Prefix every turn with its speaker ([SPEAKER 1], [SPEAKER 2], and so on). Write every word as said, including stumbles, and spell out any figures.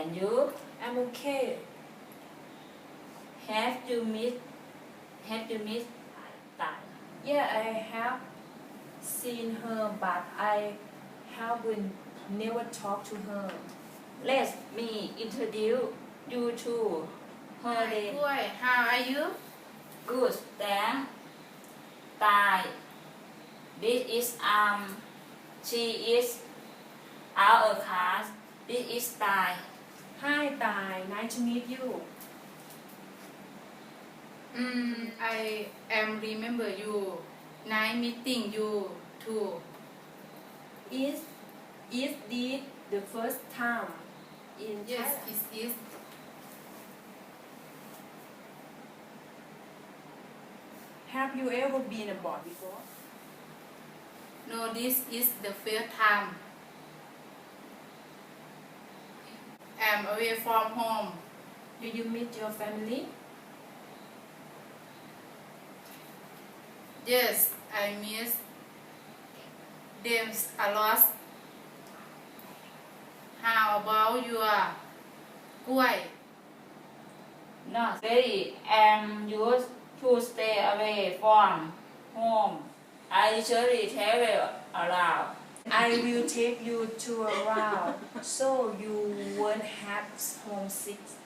[SPEAKER 1] And you?
[SPEAKER 2] I'm okay.
[SPEAKER 1] Have you met Have you met ตาย
[SPEAKER 2] Yeah, I have seen her, but I haven't never talked to her.
[SPEAKER 1] Let me introduce you to her
[SPEAKER 3] Hi,
[SPEAKER 1] name.
[SPEAKER 3] Kuai. How are you?
[SPEAKER 1] Good แต่ตาย This is um She is our class. This is ตาย
[SPEAKER 2] Hi, Tai. Nice to meet you.
[SPEAKER 3] Mm, I am remember you. Nice meeting you too.
[SPEAKER 2] Is is this the first time in
[SPEAKER 3] Yes,
[SPEAKER 2] Thailand?
[SPEAKER 3] it is.
[SPEAKER 2] Have you ever been abroad before?
[SPEAKER 3] No, this is the first time. I'm away from home.
[SPEAKER 2] Do you meet your family?
[SPEAKER 3] Yes, I miss them a lot. How about your Kuai?
[SPEAKER 1] Not very am used to stay away from home. I usually travel around.
[SPEAKER 2] I will take you to around so you won't have homesick.